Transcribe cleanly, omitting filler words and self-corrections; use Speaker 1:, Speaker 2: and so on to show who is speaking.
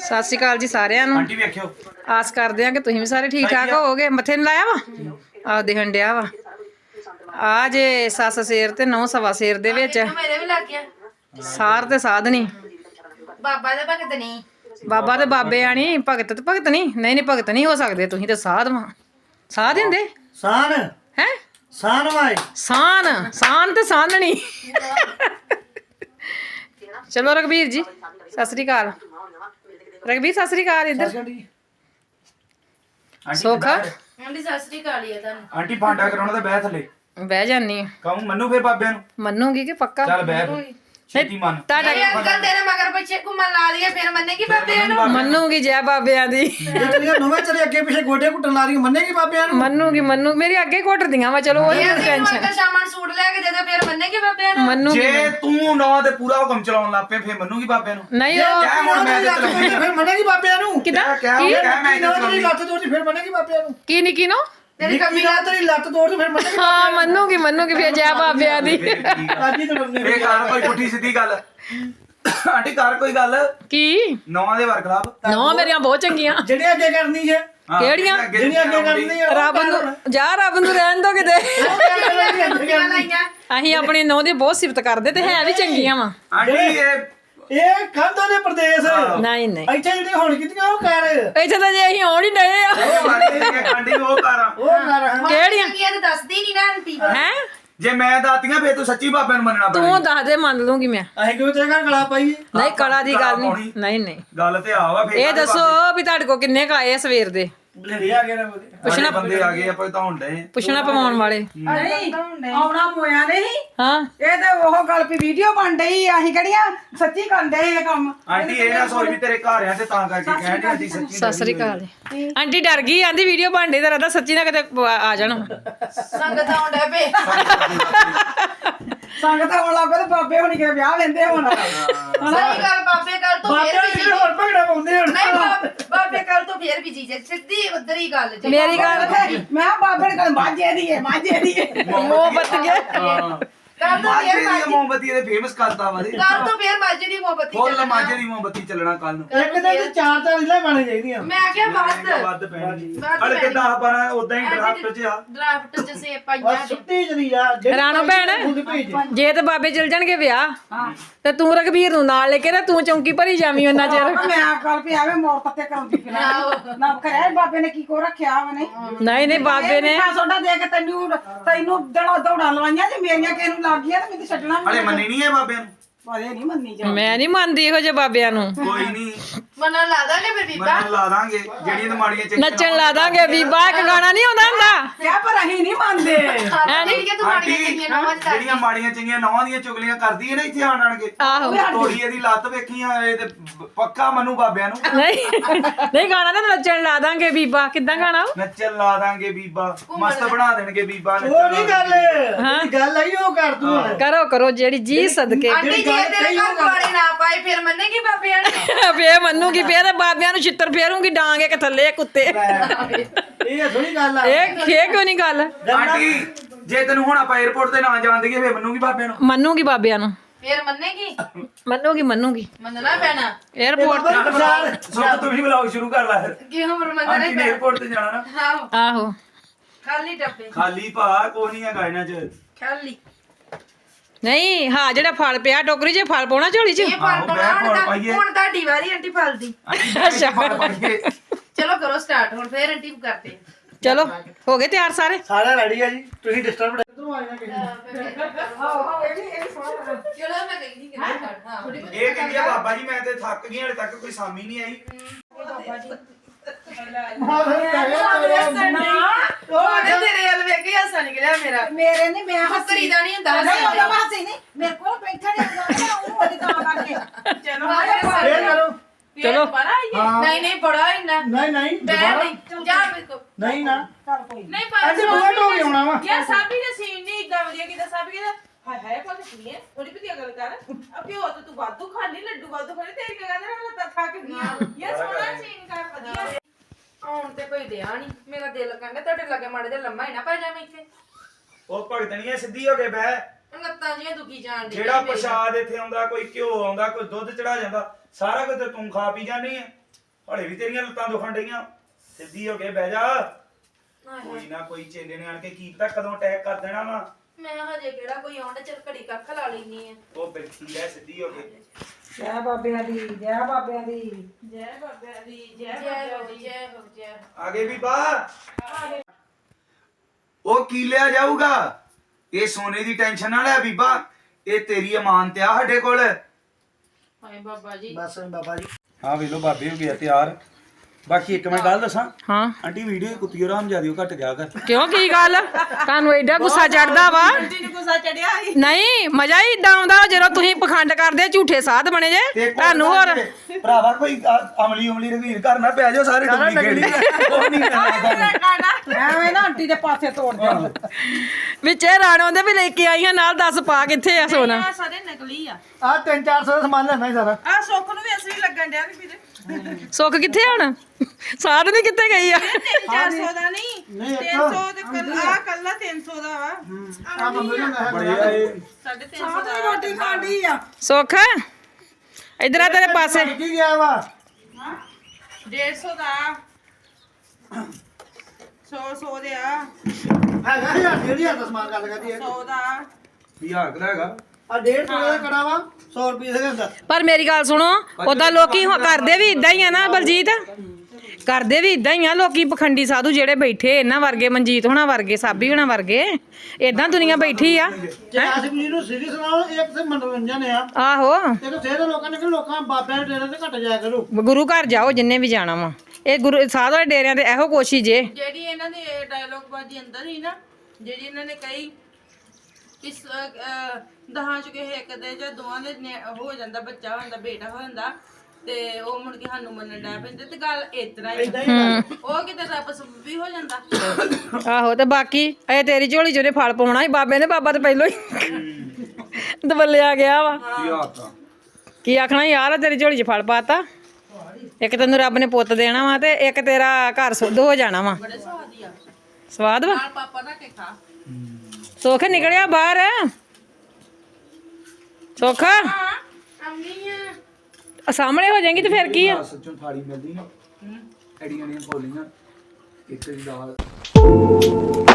Speaker 1: ਸਤਿ ਸ਼੍ਰੀ ਅਕਾਲ ਜੀ ਸਾਰਿਆਂ ਨੂੰ।
Speaker 2: ਆਂਟੀ ਵੇਖਿਓ
Speaker 1: ਆਸ ਕਰਦੇ ਆ ਕਿ ਤੁਸੀਂ ਵੀ ਸਾਰੇ ਠੀਕ ਠਾਕ ਹੋਵੋਗੇ। ਮੱਥੇ ਨੂੰ ਲਾਇਆ ਵਾ ਆ ਦਿਖਣ ਡਿਆ ਵਾ ਆ ਜੇ ਸੱਸ ਸੇਰ ਤੇ ਨੌ ਸਵਾ ਸੇਰ ਦੇ ਵਿੱਚ
Speaker 3: ਮੇਰੇ ਵੀ ਲੱਗ ਗਿਆ
Speaker 1: ਸਾਰ ਤੇ ਸਾਧ ਨਹੀਂ।
Speaker 3: ਬਾਬਾ ਦੇ ਭਗਤ ਨਹੀਂ
Speaker 1: ਬਾਬਾ ਤੇ ਬਾਬੇ ਆਣੀ ਭਗਤ ਤੇ ਭਗਤ ਨਹੀਂ। ਨਹੀਂ ਭਗਤ ਨਹੀਂ ਹੋ ਸਕਦੇ ਤੁਸੀਂ ਤੇ ਸਾਧ ਵਾ। ਸਾਧ ਹੁੰਦੇ
Speaker 4: ਸਾਨ
Speaker 1: ਹੈ
Speaker 4: ਸਾਨ ਵਾਏ
Speaker 1: ਸਾਨ ਤੇ ਸਾਨਣੀ। ਚਲੋ ਰਘਬੀਰ ਜੀ ਸਤਿ ਸ੍ਰੀ ਅਕਾਲ। ਰਘਬੀਰ ਸਤਿ ਸ੍ਰੀ ਅਕਾਲ। ਇੱਧਰ ਸੁੱਖ
Speaker 3: ਆਂਟੀ ਸਤਿ ਸ੍ਰੀ ਅਕਾਲ ਹੀ ਆ ਤੁਹਾਨੂੰ।
Speaker 2: ਆਂਟੀ ਭਾਂਡਾ ਕਰਾਉਣਾ ਤਾਂ ਬਹਿ ਥੱਲੇ
Speaker 1: ਬਹਿ ਜਾਨੀ ਆ।
Speaker 2: ਕਹੂੰ ਮੰਨੂ ਫੇਰ ਬਾਬਿਆਂ ਨੂੰ
Speaker 1: ਮੰਨੂਗੀ ਕਿ ਪੱਕਾ?
Speaker 2: ਚੱਲ ਬਹਿ ਫਿਰ। ਛੇਤੀ ਮੰਨ
Speaker 1: ਤੁਹਾਡਾ
Speaker 3: ਇਹ ਅੰਕਲ ਤੇਰੇ ਮਗਰ ਪਿੱਛੇ ਘੁੰਮਣ ਲਾ ਦਈਏ ਫਿਰ ਮੰਨੇਗੀ ਬਾਬੇ ਨੂੰ।
Speaker 1: ਮੰਨੂਗੀ ਜੈ ਬਾਬਿਆਂ ਦੀ।
Speaker 4: ਜਿਹੜੀਆਂ ਨਵੇਂ ਚਲੇ ਅੱਗੇ ਪਿੱਛੇ ਗੋਡੇ ਘੁੱਟਣ ਲਾ ਰਹੀ ਮੰਨੇਗੀ ਬਾਬਿਆਂ ਨੂੰ।
Speaker 1: ਮੰਨੂਗੀ ਮੇਰੀ ਅੱਗੇ ਘੁੱਟਦੀਆਂ ਵਾ। ਚਲੋ ਉਹਦੀ ਟੈਨਸ਼ਨ
Speaker 3: ਅੰਕਲ ਸ਼ਾਮਾਂ ਨੂੰ ਸੂਟ ਲੈ ਕੇ ਦੇ ਦੇ ਫਿਰ ਮੰਨੇਗੀ ਬਾਬੇ ਨੂੰ।
Speaker 1: ਮੰਨੂਗੀ
Speaker 2: ਜੇ ਤੂੰ ਨੌ ਤੇ ਪੂਰਾ ਹੁਕਮ ਚਲਾਉਣ ਲੱਗ ਪਏ ਫੇਰ ਮੰਨੂਗੀ ਬਾਬਿਆਂ ਨੂੰ।
Speaker 1: ਨਹੀਂ ਉਹ
Speaker 2: ਕਹਿ ਹੁਣ ਮੈਂ ਤੇ ਚਲਾਉਂਦੀ
Speaker 4: ਫਿਰ ਮੰਨੇਗੀ ਬਾਬਿਆਂ ਨੂੰ।
Speaker 1: ਕਿਦਾਂ
Speaker 2: ਕਹਿ ਮੈਂ
Speaker 4: ਨਾ
Speaker 2: ਤੇ
Speaker 4: ਤੇਰੀ
Speaker 2: ਚਲਾਉਂਦੀ
Speaker 4: ਲੱਤ ਤੋੜਦੀ ਫਿਰ ਮੰਨੇਗੀ ਬਾਬਿਆਂ ਨੂੰ।
Speaker 1: ਕੀ ਨਿੱਕੀ ਨੂੰ
Speaker 3: ਤੇਰੀ ਕੰਮੀ
Speaker 4: ਨਾ ਤੇਰੀ ਲੱਤ ਤੋੜਦੀ ਫਿਰ ਮੰਨੇਗੀ।
Speaker 1: ਹਾਂ ਮੰਨੂਗੀ ਫਿਰ ਜੈ ਬਾਬਿਆਂ ਦੀ।
Speaker 4: ਅੱਜ ਹੀ ਤੋੜਨੇ
Speaker 2: ਫੇਰ ਕਰ ਕੋਈ ਪੁੱਠੀ ਸਿੱਧੀ ਗੱਲ। ਆਂਟੀ ਕਰ ਕੋਈ ਗੱਲ
Speaker 1: ਕੀ
Speaker 2: ਨੌਵਾਂ ਦੇ ਵਰਖਲਾਫ।
Speaker 1: ਨੌ ਮੇਰੀਆਂ ਬਹੁਤ ਚੰਗੀਆਂ।
Speaker 4: ਜਿਹੜੇ ਅੱਗੇ ਕਰਨੀ ਜੇ
Speaker 1: ਕਿਹੜੀਆਂ?
Speaker 4: ਜਿਹੜੀਆਂ ਅੱਗੇ ਕਰਨੀ ਆ
Speaker 1: ਰੱਬ ਨੂੰ ਰਹਿਣ ਦੋ ਕਿਤੇ।
Speaker 3: ਲਾਈਆਂ
Speaker 1: ਅਸੀਂ ਆਪਣੀ ਨੌ ਦੀ ਬਹੁਤ ਸਿਫਤ ਕਰਦੇ ਤੇ ਹੈ ਵੀ ਚੰਗੀਆਂ ਵਾ।
Speaker 2: ਆਂਟੀ
Speaker 4: ਇਹ ਖਾਂਦਾ ਦੇ ਪ੍ਰਦੇਸ਼
Speaker 1: ਨਹੀਂ
Speaker 4: ਇੱਥੇ ਜਿਹੜੀ ਹੁਣ ਕੀਤੀਆਂ ਉਹ ਕਰ
Speaker 1: ਇੱਥੇ ਤਾਂ ਜੇ ਅਸੀਂ ਆਉਣ ਹੀ ਡਏ ਆ।
Speaker 2: ਆਂਟੀ ਉਹ ਕਰਾਂ
Speaker 4: ਉਹ ਕਰ
Speaker 1: ਕਿਹੜੀਆਂ
Speaker 3: ਚੰਗੀਆਂ ਤੇ ਦੱਸਦੀ ਨਹੀਂ ਨਾ ਆਂਟੀ।
Speaker 1: ਹੈ
Speaker 2: ਜੇ ਮੈਂ ਦਾਤੀਆਂ ਫੇਰ ਤੂੰ ਸੱਚੀ ਬਾਬਿਆਂ ਨੂੰ ਮੰਨਣਾ ਪੈਣਾ।
Speaker 1: ਤੂੰ ਦੱਸ ਦੇ ਮੰਨ ਲੂੰਗੀ ਮੈਂ।
Speaker 4: ਅਸੀਂ ਕਿਉਂ ਤੇਰੇ ਘਰ ਗਲਾ ਪਾਈਏ?
Speaker 1: ਨਹੀਂ ਕਲਾ ਦੀ ਗੱਲ ਨਹੀਂ
Speaker 2: ਗੱਲ ਤੇ ਆਵਾ ਫੇਰ
Speaker 1: ਇਹ ਦੱਸੋ ਵੀ ਤੁਹਾਡੇ ਕੋ ਕਿੰਨੇ ਕ ਆਏ ਆ ਸਵੇਰ ਦੇ?
Speaker 4: ਬਲੇਰੀ ਆ ਗਏ ਨਾ ਉਹਦੇ।
Speaker 2: ਪੁੱਛਣਾ ਬੰਦੇ ਆ ਗਏ ਆਪਾਂ ਤਾਂ ਹੁੰਦੇ
Speaker 1: ਪੁੱਛਣਾ ਪਵਾਉਣ ਵਾਲੇ।
Speaker 5: ਨਹੀਂ ਆਉਣਾ ਮੋਇਆ ਨਹੀਂ।
Speaker 1: ਹਾਂ
Speaker 5: ਇਹ ਤੇ ਉਹ ਗੱਲ ਵੀ ਵੀਡੀਓ ਬਣ ਡਈ ਅਸੀਂ ਕਿਹੜੀਆਂ ਸੱਚੀ ਕਰਦੇ ਇਹ ਕੰਮ।
Speaker 2: ਆਂਟੀ ਇਹ ਨਾ ਸੋਚ ਵੀ ਤੇਰੇ ਘਰ ਆ ਤੇ ਤਾਂ ਕਰਕੇ ਕਹਿਣ ਆਂਟੀ ਸੱਚੀ
Speaker 1: ਸਤਿ ਸ੍ਰੀ ਅਕਾਲ ਜੀ। ਆਂਟੀ ਡਰ ਗਈ ਆਂਦੀ ਵੀਡੀਓ ਬਣਦੀ ਤਾਂ ਰਦਾ ਸੱਚੀ ਨਾ ਕਿਤੇ ਆ ਜਾਣ।
Speaker 3: ਸੰਗਤ ਆਉਣ ਡੇ ਪਏ।
Speaker 5: ਸੰਗਤ ਆਉਣ ਲੱਗ ਪਏ ਤੇ ਬਾਬੇ ਹੋਣੀ ਕਿ ਵਿਆਹ ਲੈਂਦੇ ਹੁਣ।
Speaker 3: ਸਹੀ ਗੱਲ ਬਾਬੇ ਕੱਲ ਤੋਂ
Speaker 4: ਬਾਬੇ
Speaker 3: ਫੇਰ
Speaker 4: ਜਿਹੜੇ ਹੋਰ ਭਗੜਾ ਪਾਉਂਦੇ ਹੁਣ।
Speaker 3: ਨਹੀਂ ਬਾਬੇ ਕੱਲ ਤੋਂ ਫੇਰ ਵੀ ਜੀ ਸਿੱਧੀ ਉਧਰ ਹੀ ਗੱਲ ਜੀ।
Speaker 1: ਮੇਰੀ ਗੱਲ
Speaker 5: ਮੈਂ ਕਿਹਾ ਬਾਬੇ ਨੇ ਕਹਿੰਦਾ ਮਾਝੇ ਦੀ ਹੈ ਮਾਝੇ ਦੀ ਹੈ।
Speaker 1: ਮੋਹਬਤ ਗਿਆ।
Speaker 3: ਕੱਲ ਤੋਂ
Speaker 2: ਮਾਝੇ
Speaker 3: ਫੇਰ
Speaker 2: ਦੀ ਮੋਮਬਤੀ ਇਹਦੇ ਫੇਮਸ ਕਰਤਾ ਵਾ ਦੇ
Speaker 3: ਕੱਲ ਤੋਂ ਫੇਰ ਮਾਝੇ ਦੀ ਮੁਹੱਬਤ
Speaker 2: ਫੁੱਲ ਮਾਝੇ ਦੀ ਮੋਮਬਤੀ ਚੱਲਣਾ ਕੱਲ ਨੂੰ।
Speaker 4: ਇੱਕ ਦਿਨ ਤੇ ਚਾਰ ਰੀਲਾਂ ਬਣੇ ਚਾਹੀਦੀਆਂ।
Speaker 3: ਮੈਂ ਕਿਹਾ
Speaker 2: ਵੱਧ ਪੈਣੀ
Speaker 3: ਵੱਧ
Speaker 2: ਹਲ ਕੇ
Speaker 3: ਪੈਣੀ।
Speaker 2: 10 12 ਉਦਾਂ ਹੀ ਡਰਾਫਟ ਚ ਆ।
Speaker 3: ਡਰਾਫਟ ਚ ਸੇ
Speaker 4: ਬਸ
Speaker 3: ਪਾਈਆਂ
Speaker 4: ਸੁੱਤੀ ਜਦੀ ਆ
Speaker 1: ਰਾਣੋ ਭੈਣ ਜੇ ਤੇ ਬਾਬੇ ਚਲ ਜਾਣਗੇ ਵਿਆਹ ਤੇ ਤੂੰ ਰਘਬੀਰ ਨੂੰ ਨਾਲ ਲੈ ਕੇ ਨਾ ਤੂੰ ਚੌਂਕੀ ਭਰੀ ਜਾਵੀਂ ਉਹਨਾਂ ਚਿਰ।
Speaker 5: ਮੈਂ ਕੱਲ ਵੀ ਆਵੇ ਮੋਰ ਪੱਤੇ ਕਰਾਉਂਦੀ ਫਿਰਾਂ ਨਾ ਕਰਿਆ ਬਾਬੇ ਨੇ ਕੀ ਕੋ ਰੱਖਿਆ ਵਾ ਨਹੀਂ।
Speaker 1: ਨਹੀਂ ਬਾਬੇ ਨੇ
Speaker 5: ਸੋਡਾ ਦੇ ਕੇ ਤੈਨੂੰ ਦੌੜਾ ਲਵਾਈਆਂ ਜੇ ਮੇਰੀਆਂ ਕਿਸੇ ਨੂੰ ਲੱਗ ਗਈਆਂ ਤੇ ਮੈਨੂੰ ਛੱਡਣਾ ਵੀ
Speaker 2: ਹਲੇ ਮੰਨੀ ਨਹੀਂ ਹੈ ਬਾਬਿਆਂ ਨੂੰ।
Speaker 5: ਪਰ ਇਹ ਨਹੀਂ ਮੰਨੀ ਜਾ।
Speaker 1: ਮੈਂ ਨਹੀਂ ਮੰਨਦੀ ਇਹੋ ਜਿਹੇ ਬਾਬਿਆਂ ਨੂੰ।
Speaker 2: ਕੋਈ ਨਹੀਂ
Speaker 3: ਮਨਨ ਲਾ ਦਾਂਗੇ ਫਿਰ ਬੀਬਾ।
Speaker 2: ਮਨ ਲਾ ਦਾਂਗੇ ਜਿਹੜੀਆਂ ਤੇ ਮਾੜੀਆਂ ਚੰਗੀਆਂ
Speaker 1: ਨੱਚਣ ਲਾ ਦਾਂਗੇ ਬੀਬਾ। ਇੱਕ ਗਾਣਾ ਨਹੀਂ ਆਉਂਦਾ ਹੁੰਦਾ
Speaker 5: ਕਿਆ ਪਰ ਅਸੀਂ ਨਹੀਂ ਮੰਨਦੇ।
Speaker 3: ਜਿਹੜੀਆਂ ਤੂੰ ਮਾੜੀਆਂ
Speaker 2: ਆਂਟੀ
Speaker 3: ਚੰਗੀਆਂ ਨਵਾਂ ਚ
Speaker 2: ਜਿਹੜੀਆਂ ਮਾੜੀਆਂ ਚੰਗੀਆਂ ਨੌਵਾਂ ਦੀਆਂ ਚੁਗਲੀਆਂ ਕਰਦੀ ਹੈ ਨਾ ਇੱਥੇ ਆਣ ਕੇ
Speaker 1: ਆਹੋ
Speaker 2: ਤੋੜੀ ਇਹਦੀ ਲੱਤ ਵੇਖੀਆਂ ਇਹ ਤੇ ਪੱਕਾ ਮੰਨੂ ਬਾਬਿਆਂ ਨੂੰ।
Speaker 1: ਨਹੀਂ ਗਾਣਾ ਤਾਂ ਨੱਚਣ ਲਾ ਦਾਂਗੇ ਬੀਬਾ। ਕਿੱਦਾਂ ਗਾਣਾ ਉਹ?
Speaker 2: ਨੱਚਣ ਲਾ ਦਾਂਗੇ ਬੀਬਾ ਮਸਤ ਬਣਾ ਦੇਣਗੇ ਬੀਬਾ
Speaker 4: ਉਹ ਨਹੀਂ ਗੱਲ ਜਿਹੜੀ ਗੱਲ ਆਈ ਉਹ ਕਰ ਤੂੰ ਹੁਣ।
Speaker 1: ਕਰੋ ਜਿਹੜੀ ਜੀ ਸਦਕੇ।
Speaker 3: ਆਂਟੀ ਜੇ ਤੇਰੇ ਘਰ ਵਾਲੇ ਨਾ ਪਾਏ ਫਿਰ ਮੰਨੇਗੀ ਬਾਬਿਆਂ ਨੂੰ।
Speaker 1: ਫੇਰ ਮੰਨੂਗੀ ਫੇਰ ਬਾਬਿਆਂ ਨੂੰ ਛਿੱਤਰ ਫੇਰੂਗੀ ਡਾਂਗੇ ਕਿ ਥੱਲੇ ਕੁੱਤੇ।
Speaker 4: ਇਹ ਥੋੜੀ ਗੱਲ ਆ।
Speaker 1: ਇਹ ਕਿਉਂ ਨਹੀਂ ਗੱਲ?
Speaker 2: ਆਂਟੀ ਜੇ ਤੈਨੂੰ ਹੁਣ ਆਪਾਂ 에어ਪੋਰਟ ਤੇ ਨਾ ਜਾਣ ਦੇਈਏ ਫੇਰ ਮੰਨੂਗੀ ਬਾਬਿਆਂ ਨੂੰ।
Speaker 1: ਮੰਨੂਗੀ ਬਾਬਿਆਂ ਨੂੰ।
Speaker 3: ਫਿਰ ਮੰਨੇਗੀ
Speaker 1: ਮੰਨੂਗੀ
Speaker 3: ਮੰਨਣਾ ਪੈਣਾ।
Speaker 1: 에어ਪੋਰਟ
Speaker 2: ਸਭ ਤੂੰ ਵੀ ਵਲੌਗ ਸ਼ੁਰੂ ਕਰ ਲੈ।
Speaker 3: ਕਿਉਂ ਮੰਨਣਾ
Speaker 2: ਆਂਟੀ ਨੇ
Speaker 3: ਪੈਣਾ।
Speaker 2: 에어ਪੋਰਟ ਤੇ ਜਾਣਾ ਨਾ।
Speaker 3: ਹਾਂ
Speaker 1: ਆਹੋ
Speaker 3: ਖਾਲੀ ਟੱਪੇ
Speaker 2: ਖਾਲੀ ਭਾ ਕੋਈ ਨਹੀਂ ਹੈਗਾ ਇਹਨਾਂ ਚ।
Speaker 3: ਖਾਲੀ
Speaker 1: ਨਹੀਂ ਹਾਂ ਜਿਹੜਾ ਫਲ ਪਿਆ ਟੋਕਰੀ 'ਚ ਫਲ ਪਾਉਣਾ ਝੋਲੀ 'ਚ।
Speaker 3: ਇਹ ਫਲ
Speaker 2: ਆਹੋ, ਬਹਿ ਫਲ
Speaker 3: ਪਾਉਣਾ
Speaker 2: ਪਾਈਏ।
Speaker 3: ਹੁਣ ਤੁਹਾਡੀ ਵਾਰੀ ਆਂਟੀ ਫਲ ਦੀ।
Speaker 1: ਅੱਛਾ
Speaker 3: ਚਲੋ ਕਰੋ ਸਟਾਰਟ ਹੁਣ ਫੇਰ ਆਂਟੀ ਕਰਦੇ ਆ।
Speaker 1: ਚਲੋ ਹੋ ਗਏ ਤਿਆਰ ਸਾਰੇ?
Speaker 4: ਸਾਰਾ ਰੈਡੀ ਆ ਜੀ ਤੁਸੀਂ ਡਿਸਟਰਬ ਇਧਰੋਂ ਆ ਜਾਣਾ ਕਿਸੇ
Speaker 3: ਚਲੋ ਮੈਂ ਕਹਿੰਦੀ ਕਿ ਸਟਾਰਟ ਹਾਂ ਥੋੜੀ
Speaker 2: ਇਹ ਕਹਿੰਦੀ ਆ ਬਾਬਾ ਜੀ ਮੈਂ ਤੇ ਥੱਕ ਗਈ ਹਲੇ ਤੱਕ ਕੋਈ ਸਾਮੀ ਨਹੀਂ ਆਈ।
Speaker 3: ਉਹਨੇ ਤੇਰੇ ਵੱਲ ਵੇਖ ਕੇ ਹਾਸਾ ਨਿਕਲਿਆ ਮੇਰਾ।
Speaker 5: ਮੇਰੇ ਨਹੀਂ ਮੈਂ
Speaker 3: ਹੱਸਰੀ ਦਾ ਨਹੀਂ ਹੁੰਦਾ
Speaker 5: ਨਹੀਂ ਉਹਦਾ
Speaker 3: ਹਾਸਾ।
Speaker 5: ਵਾਸੀ ਨਹੀਂ ਮੇਰੇ ਕੋਲ ਬੈਠਾ ਨਹੀਂ ਉਹ ਉਹਦੀ ਤਾਂ ਕਰਕੇ
Speaker 4: ਇਹ ਕਰੋ
Speaker 1: ਚਲੋ
Speaker 3: ਨਹੀਂ ਬੜਾ ਇੰਨਾ
Speaker 4: ਨਹੀਂ
Speaker 3: ਬੈਠ
Speaker 4: ਦੁਬਾਰਾ
Speaker 3: ਨਹੀਂ ਜਾ ਬਿਲਕੁਲ
Speaker 4: ਨਹੀਂ ਨਾ
Speaker 5: ਚੱਲ ਕੋਈ
Speaker 6: ਨਹੀਂ
Speaker 4: ਅੱਜ ਬਹੁਤ ਹੋ ਗਿਆ ਹੋਣਾ ਵਾ
Speaker 6: ਯਾਰ ਸਾਬੀ ਨੇ ਸੀਨ ਨਹੀਂ ਇਦਾਂ ਵਧੀਆ ਕੀਤਾ। ਸਾਬੀ ਕਹਿੰਦਾ ਹਾਏ ਹਾਏ ਪਾ ਕੀ ਹੈ ਥੋੜੀ ਵਧੀਆ ਗੱਲ ਕਰ। ਅਬੇ ਉਹ ਤੂੰ ਵਾਧੂ ਖਾਣੀ ਲੱਡੂ ਵਾਧੂ ਖਾਣੀ ਤੇਰੀ ਕੀ ਕਹਿੰਦਾ ਮੈਂ ਤਾਂ ਥੱਕ ਗਈ ਯਾਰ ਸੋਹਣਾ ਸੀਨ ਕਰ ਵਧੀਆ।
Speaker 3: ਹੁਣ ਤੇ ਕੋਈ ਦਿਆ ਨਹੀਂ ਮੇਰਾ ਦਿਲ ਕਹਿੰਦਾ ਤੁਹਾਡੇ ਲੱਗੇ ਮਾੜੇ ਜਿਹਾ ਲੰਮਾ ਹੀ ਨਾ ਪੈ ਜਾਵੇਂ ਇੱਥੇ।
Speaker 2: ਉਹ ਭਗਤਣੀਆਂ ਸਿੱਧੀ ਹੋ ਕੇ ਬਹਿ।
Speaker 3: ਲੱਤਾਂ ਜੀਆਂ ਦੁਖੀ ਜਾਣ ਡੀ
Speaker 2: ਜਿਹੜਾ ਪ੍ਰਸ਼ਾਦ ਇੱਥੇ ਆਉਂਦਾ ਕੋਈ ਘਿਓ ਆਉਂਦਾ ਕੋਈ ਦੁੱਧ ਚੜਾ ਜਾਂਦਾ ਸਾਰਾ ਕੁਝ ਤੇ ਤੂੰ ਖਾ ਪੀ ਜਾਂਦੀ ਹੈ। ਹਲੇ ਵੀ ਤੇਰੀਆਂ ਲੱਤਾਂ ਦੁਖਣ ਡਈਆਂ ਸਿੱਧੀ ਹੋ ਕੇ ਬਹਿ ਜਾ ਕੋਈ ਨਾ ਕੋਈ ਚੇਲੇ ਨੇ ਆਣ ਕੇ ਕੀ ਪਤਾ ਕਦੋਂ ਅਟੈਕ ਕਰ ਦੇਣਾ ਵਾ
Speaker 3: ਮੈਂ ਹਜੇ ਕਿਹੜਾ ਕੋਈ ਆਉਂਦਾ ਚਿਰ ਘੜੀ ਕੱਖ ਲਾ ਲੈਣੀ ਆ
Speaker 2: ਉਹ ਬੈਠੀ ਰਹਿ ਸਿੱਧੀ ਹੋ ਕੇ
Speaker 5: ਜੈ ਬਾਬਿਆਂ ਦੀ ਜੈ ਬਾਬਿਆਂ ਦੀ
Speaker 6: ਜੈ ਬਾਬਿਆਂ ਦੀ ਜੈ
Speaker 3: ਜੈ
Speaker 6: ਬਾਬਿਆਂ
Speaker 3: ਹੋ
Speaker 6: ਦੀ
Speaker 3: ਜੈ ਹੋ ਜੈ
Speaker 2: ਆਗੇ ਵੀ ਬਾ ਉਹ ਕੀ ਲਿਆ ਜਾਊਗਾ ਇਹ ਸੋਨੇ ਦੀ ਟੈਨਸ਼ਨ ਨਾ ਲੈ ਬੀਬਾ ਇਹ ਤੇਰੀ ਅਮਾਨਤ ਆ ਸਾਡੇ ਕੋਲ
Speaker 3: ਹਾਏ ਬਾਬਾ ਜੀ
Speaker 4: ਬਸ ਬਾਬਾ ਜੀ
Speaker 2: ਹਾਂ ਵੇਲੋ ਬਾਬੇ ਹੋ ਗਿਆ ਤਿਆਰ ਬਾਕੀ ਇੱਕ ਮੈਂ ਗੱਲ ਦੱਸਾਂ
Speaker 1: ਹਾਂ
Speaker 2: ਆਂਟੀ ਵੀਡੀਓ ਕੁੱਤੀ ਰਾਮ ਜਿਆਦੀ ਘੱਟ ਗਿਆ ਕਰ
Speaker 1: ਕਿਉਂ ਕੀ ਗੱਲ ਤੁਹਾਨੂੰ ਐਡਾ ਗੁੱਸਾ ਚੜਦਾ ਵਾ
Speaker 6: ਜੀ ਨੂੰ ਗੁੱਸਾ ਚੜਿਆ ਸੀ
Speaker 1: ਨਹੀਂ ਮਜ਼ਾ ਹੀ ਇਦਾਂ ਆਉਂਦਾ ਜਦੋਂ ਤੁਸੀਂ ਪਖੰਡ ਕਰਦੇ ਝੂਠੇ ਸਾਧ ਬਣੇ ਜੇ
Speaker 2: ਤੇ
Speaker 1: ਤੁਹਾਨੂੰ ਹੋਰ
Speaker 2: ਭਰਾਵਾ ਕੋਈ ਅਮਲੀ ਰਘਵੀਰ ਘਰ ਨਾ ਪੈ ਜਾਓ ਸਾਰੇ ਡੁੱਬੀ ਖੇੜੀ ਉਹ ਨਹੀਂ ਕਰਨਾ
Speaker 5: ਐਵੇਂ ਨਾ ਆਂਟੀ ਦੇ ਪਾਸੇ ਤੋੜ ਦੇ
Speaker 1: ਵਿੱਚੇ ਰਾਣੋਂ ਦੇ ਵੀ ਲੈ ਕੇ ਆਈ ਹਾਂ ਨਾਲ ਦੱਸ ਪਾ ਕਿੱਥੇ ਆ ਸੋਨਾ
Speaker 6: ਆ ਸਾਰੇ ਨਕਲੀ ਆ
Speaker 4: ਆ 300-400 ਦਾ ਸਮਾਨ ਲੈਣਾ ਹੀ ਸਾਰਾ
Speaker 6: ਆ ਸੁੱਖ ਨੂੰ ਵੀ ਅਸਲੀ ਲੱਗਣ ਡਿਆ ਵੀ ਵੀਰੇ
Speaker 1: ਸੁੱਖ ਕਿੱਥੇ ਹੁਣ ਸਾਧ ਨਹੀਂ ਕਿੱਥੇ ਗਈ ਆ
Speaker 6: 400 ਦਾ ਨਹੀਂ 300 ਤੇ ਕੱਲਾ 300 ਦਾ ਵਾ
Speaker 4: ਆ ਮੰਮੀ ਨੂੰ ਮੈਂ
Speaker 2: ਬੜਿਆ ਇਹ
Speaker 6: 350 ਦਾ
Speaker 5: ਰੋਟੀ ਖਾਂਦੀ ਆ
Speaker 1: ਸੁੱਖ ਇਧਰ ਆ ਤੇਰੇ ਪਾਸੇ
Speaker 4: ਕੀ ਗਿਆ ਵਾ
Speaker 6: 150 ਦਾ 100 ਦੇ ਆ
Speaker 4: ਹੈਗਾ 1000 ਦਾ ਸਮਾਨ ਗੱਲ ਕਰਦੀ ਹੈ
Speaker 6: 100 ਦਾ
Speaker 2: ਵੀ ਹਾਲ ਕਿਹਦਾ ਹੈਗਾ
Speaker 4: ਆ 150 ਦਾ ਕੜਾ ਵਾ 100 ਰੁਪਏ ਦਾ ਹੁੰਦਾ
Speaker 1: ਪਰ ਮੇਰੀ ਗੱਲ ਸੁਣੋ ਉਦਾਂ ਲੋਕੀ ਕਰਦੇ ਵੀ ਇਦਾਂ ਹੀ ਆ ਨਾ ਬਲਜੀਤ ਕਰਦੇ ਵੀ ਇਦਾਂ ਹੀ ਆ ਲੋਕੀ ਪਖੰਡੀ ਸਾਧੂ ਜਿਹੜੇ ਬੈਠੇ ਇਹਨਾਂ ਵਰਗੇ ਮਨਜੀਤ ਹੋਣਾ ਵਰਗੇ ਸਾਬੀ ਹੋਣਾ ਵਰਗੇ ਇਦਾਂ ਦੁਨੀਆ ਬੈਠੀ ਆ
Speaker 4: ਜੇ ਆਸਿਫ ਜੀ ਨੂੰ ਸੀਰੀਅਸ ਨਾਲੋਂ ਇੱਕ ਤੇ ਮਨੋਰੰਜਨ ਆ
Speaker 1: ਆਹੋ
Speaker 4: ਤੇ ਫੇਰ ਲੋਕਾਂ ਨੇ ਕਿ ਲੋਕਾਂ ਬਾਬਿਆਂ ਦੇ ਡੇਰੇ ਤੇ ਘਟ ਜਾਇਆ ਕਰੂ
Speaker 1: ਗੁਰੂ ਘਰ ਜਾਓ ਜਿੰਨੇ ਵੀ ਜਾਣਾ ਵਾ ਇਹ ਗੁਰੂ ਸਾਧੂ ਦੇ ਡੇਰਿਆਂ ਤੇ ਇਹੋ ਕੋਸ਼ਿਸ਼ ਜੇ
Speaker 6: ਜਿਹੜੀ ਇਹਨਾਂ ਦੇ ਡਾਇਲੋਗ ਬਾਜੀ ਅੰਦਰ ਹੀ ਨਾ ਜਿਹੜੀ ਇਹਨਾਂ ਨੇ ਕਹੀ ਇਸ ਦਹਾਂ ਚ ਕਿਸੇ ਇੱਕ ਦੇ ਜਾਂ ਦੋਵਾਂ ਦੇ ਹੋ ਜਾਂਦਾ ਬੱਚਾ ਹੋ ਜਾਂਦਾ ਬੇਟਾ ਹੋ ਜਾਂਦਾ ਤੇ ਉਹ ਮੁੜ ਕੇ ਸਾਨੂੰ ਮੰਨਣ ਡੈ ਪੈਂਦੇ ਤੇ ਗੱਲ ਇਤਨਾ ਹੀ ਉਹ ਕਿਤੇ ਰੱਬ ਵੀ ਹੋ ਜਾਂਦਾ
Speaker 1: ਆਹੋ ਤੇ ਬਾਕੀ ਇਹ ਤੇਰੀ ਝੋਲੀ ਚੋਂ ਫਲ ਪਾਉਣਾ ਸੀ ਬਾਬੇ ਨੇ ਬਾਬਾ ਤੇ ਪਹਿਲੋਂ ਹੀ ਦਬੱਲਿਆ ਗਿਆ ਵਾ
Speaker 2: ਕੀ ਹਾਤਾ
Speaker 1: ਕੀ ਆਖਣਾ ਯਾਰ ਤੇਰੀ ਝੋਲੀ 'ਚ ਫਲ ਪਾਤਾ ਇੱਕ ਤੈਨੂੰ ਰੱਬ ਨੇ ਪੁੱਤ ਦੇਣਾ ਵਾ ਤੇ ਇੱਕ ਤੇਰਾ ਘਰ ਸੁੱਧ ਹੋ ਜਾਣਾ ਵਾ
Speaker 6: ਬੜੇ ਸਵਾਦ ਹੀ ਆ
Speaker 1: ਸਵਾਦ ਵਾ
Speaker 6: ਨਾਲ ਪਾਪਾ ਦਾ ਕੇ ਖਾ
Speaker 1: ਸੁੱਖ ਨਿਕਲਿਆ ਬਾਹਰ ਸੁੱਖ
Speaker 6: ਅੰਮੀ ਆ
Speaker 1: ਸਾਹਮਣੇ ਹੋ ਜਾਏਗੀ ਤੇ ਫਿਰ ਕੀ ਆ
Speaker 2: ਸੱਚੋਂ ਥਾਲੀ ਮਿਲਦੀ ਨਾ ਐਡੀਆਂ ਨੇ ਖੋਲੀਆਂ ਇੱਕ ਦੀ ਦਾਲ